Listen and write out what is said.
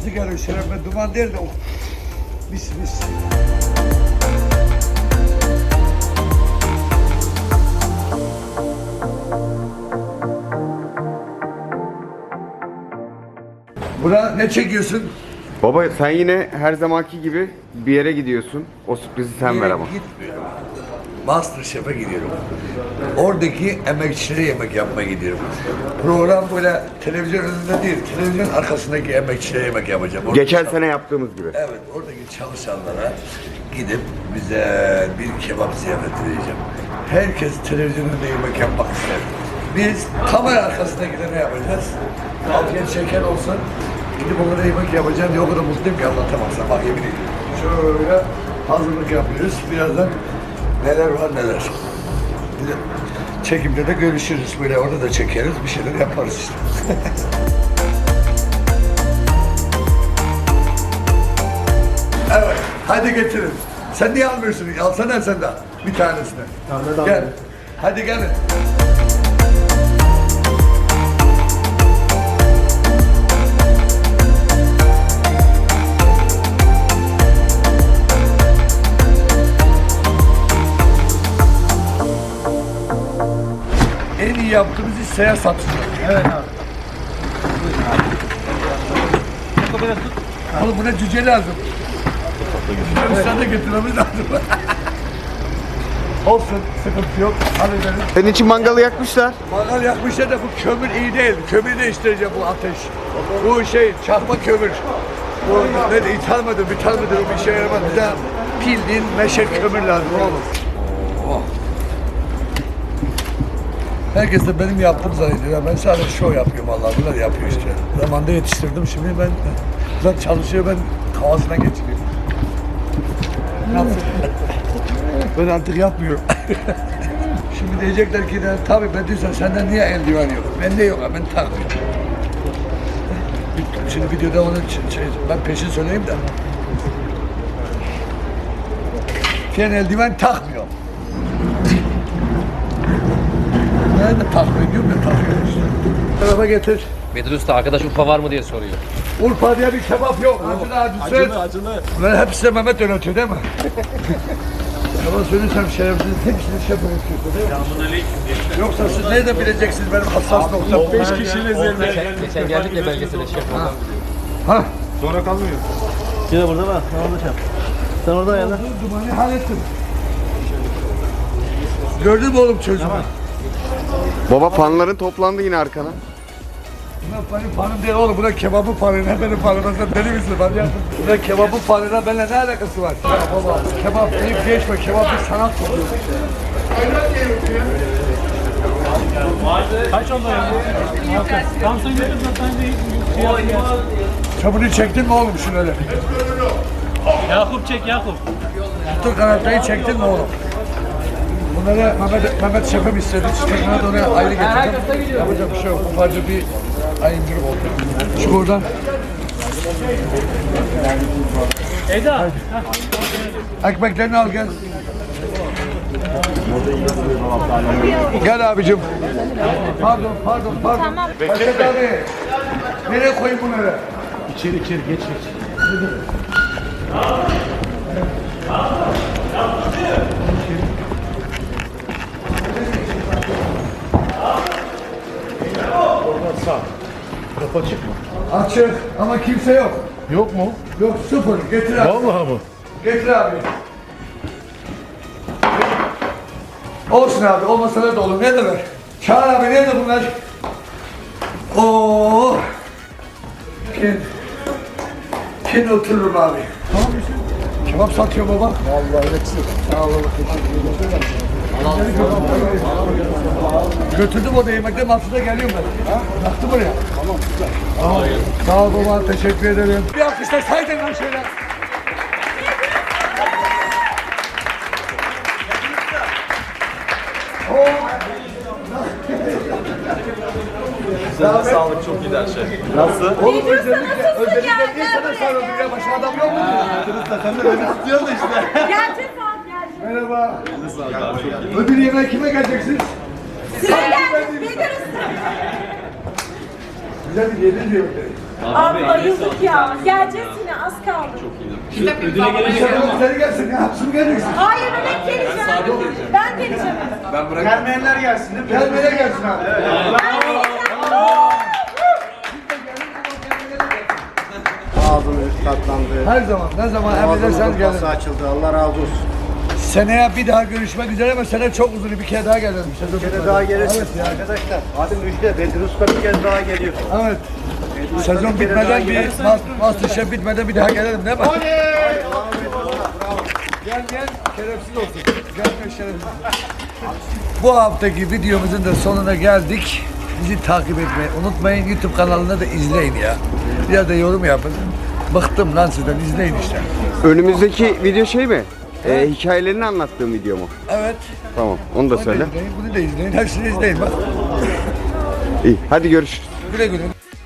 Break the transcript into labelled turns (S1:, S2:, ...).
S1: kokusu geliyor şerefime. Duman değil de mis mis. Buna ne çekiyorsun?
S2: Baba sen yine her zamanki gibi bir yere gidiyorsun. O sürprizi sen ver ama.
S1: Gitmiyorum. Masterchef'e gidiyorum. Oradaki emekçilere yemek yapmaya gidiyorum. Program böyle televizyon önünde değil, televizyon arkasındaki emekçilere yemek yapacağım. Orada
S2: Geçen sene yaptığımız gibi.
S1: Evet, oradaki çalışanlara gidip güzel bir kebap ziyafeti vereceğim. Herkes televizyon önünde yemek yapmak ister. Biz kamera arkasındakilere yapacağız. Afiyet şeker olsun. Gidip onlara yemek yapacağım diye o kadar mutluyum ki anlatamazsam. Bak yemin ediyorum. Şöyle hazırlık yapıyoruz. Birazdan neler var neler. Bir de çekimde de görüşürüz. Böyle orada da çekeriz. Bir şeyler yaparız işte. Evet. Hadi getirin. Sen niye almıyorsun? Alsana sen de. Bir tanesini. Gel. Hadi gelin. En iyi yaptığımız iş seyahat satışı.
S3: Evet abi.
S1: Oğlum buna cüce lazım. Cüce de getirmemiz lazım. Olsun, sıkıntı yok. Hallederiz.
S2: Senin için mangalı yakmışlar.
S1: Mangal yakmışlar da bu kömür iyi değil. Kömür değiştireceğim bu ateş. Bu şey, çakma kömür. Bu ne de ithal mıdır, bir şey yaramaz. Bize bildiğin meşe kömür lazım oğlum. Oh. Herkes de benim yaptığım zannediyor. Ben sadece şov yapıyorum Allah. Bunlar yapıyor işte. Zamanında yetiştirdim. Şimdi ben bunlar çalışıyor. Ben havasına geçiriyorum. Ben artık yapmıyorum. Şimdi diyecekler ki tabii ben diyorsan senden niye eldiven yok? Bende yok ben takmıyorum. Şimdi videoda onu ben peşin söyleyeyim de. Ben eldiven takmıyorum. Ben de takmıyorum, ben takıyorum işte. Tarafa getir.
S4: Bedir Usta arkadaş Urfa var mı diye soruyor.
S1: Urfa diye bir kebap yok. Acılı. Bunların hepsi de Mehmet yönetiyor değil mi? Ama söylesem şerefsiz hepsini şef öğretiyorsun değil mi? Yoksa siz nereden bileceksiniz benim hassas noktam? 5 kişiyle zevde.
S4: Geçen geldik de belgesele şef oldu.
S1: Ha?
S3: Sonra kalmıyor. Yine burada bak. Sen orada çap. Sen orada ayarla.
S1: Dumanı hallettim. Gördün mü oğlum çocuğumu?
S2: Baba fanların toplandı yine arkana.
S1: Buna benim fanım değil oğlum. Buna kebabın fanına benim fanıma. Sen deli misin? Buna kebabın fanına benimle ne alakası var? Ya baba kebap deyip geçme. Kebap bir sanat oluyor.
S3: Kaç oldu ya? Tam sen götür zaten de
S1: Çabını çektin mi oğlum şunu öyle?
S3: Yakup çek Yakup.
S1: Tutun kanatlayı çektin mi oğlum? Bunları Mehmet şefim istedi. Çiçeklerine de oraya ayrı getirdim. Yapacak bir şey yok. Ufacık bir ayıncılık oldu. Çık oradan.
S3: Eda.
S1: Ekmeklerini al gel. Gel abicim. Pardon. Tamam. Başak abi. Nereye koyayım bunları?
S3: İçeri geç. Sağ. Kapı açık mı?
S1: Açık ama kimse yok.
S3: Yok mu?
S1: Yok sıfır. Getir abi.
S3: Vallahi mı?
S1: Getir abi. Olsun abi. Olmasalar da olur. Ne demek? Çağır abi. Nerede bunlar? Oo. Kim otururum abi? Tamam mısın? Kebap satıyor baba. Vallahi hepsi. Sağ olun. Götürdüm o da yemekten altında geliyorum ben. Ha? Baktım oraya. Tamam güzel. Sağ ol baba. Teşekkür ederim. Bir alkışlar saydın lan şöyle.
S5: Size sağlık çok iyi her şey. Nasıl?
S1: Oğlum özellikle niye sana sarıldım ya? Başka adam yok mu?
S5: Sen de beni tutuyorsun da işte.
S6: Gerçek saat geldi.
S1: Merhaba. Ödül yemeğe kime geleceksiniz?
S6: Size geldik. Bedir Usta.
S1: Güzel bir yedir diyor.
S6: Abi bayıldık ya. Geleceğiz yine az kaldı.
S1: Sen gelsin ya. Hapsın geleceksin.
S6: Hayır ben geleceğim. Ben geleceğim.
S5: Gelmeyenler gelsin değil mi?
S1: Gelmeye gelsin abi.
S7: Ağzımız tatlandı.
S1: Her zaman, ne zaman emrederseniz
S7: Ağzımızın
S1: gelin.
S7: kapısı açıldı. Allah razı olsun.
S1: Seneye bir daha görüşmek üzere ama sene çok uzun. Bir kere daha gelelim.
S7: Bir kere daha gelirsiniz
S1: Evet ya.
S7: arkadaşlar. Hadi müjde. Bedir Usta bir kez daha geliyor.
S1: Evet.
S7: Bedir Usta
S1: Sezon
S7: bir kere daha
S1: bitmeden bir
S7: gelirse-
S1: Masterchef bitmeden bir daha gelelim değil mi? Gel şerefsiz olsun. Gel şerefsiz. Bu haftaki videomuzun da sonuna geldik. Bizi takip etmeyi unutmayın. YouTube kanalında da izleyin ya. Biraz da yorum yapın. Bıktım lan sizden, izleyin işte.
S2: Önümüzdeki video şey mi? Hikayelerini anlattığım video mu?
S1: Evet.
S2: Tamam, onu da
S1: Bunu da
S2: söyle.
S1: izleyin, bunu da izleyin. Hepsini izleyin bak.
S2: İyi, hadi görüşürüz.
S1: Güle güle.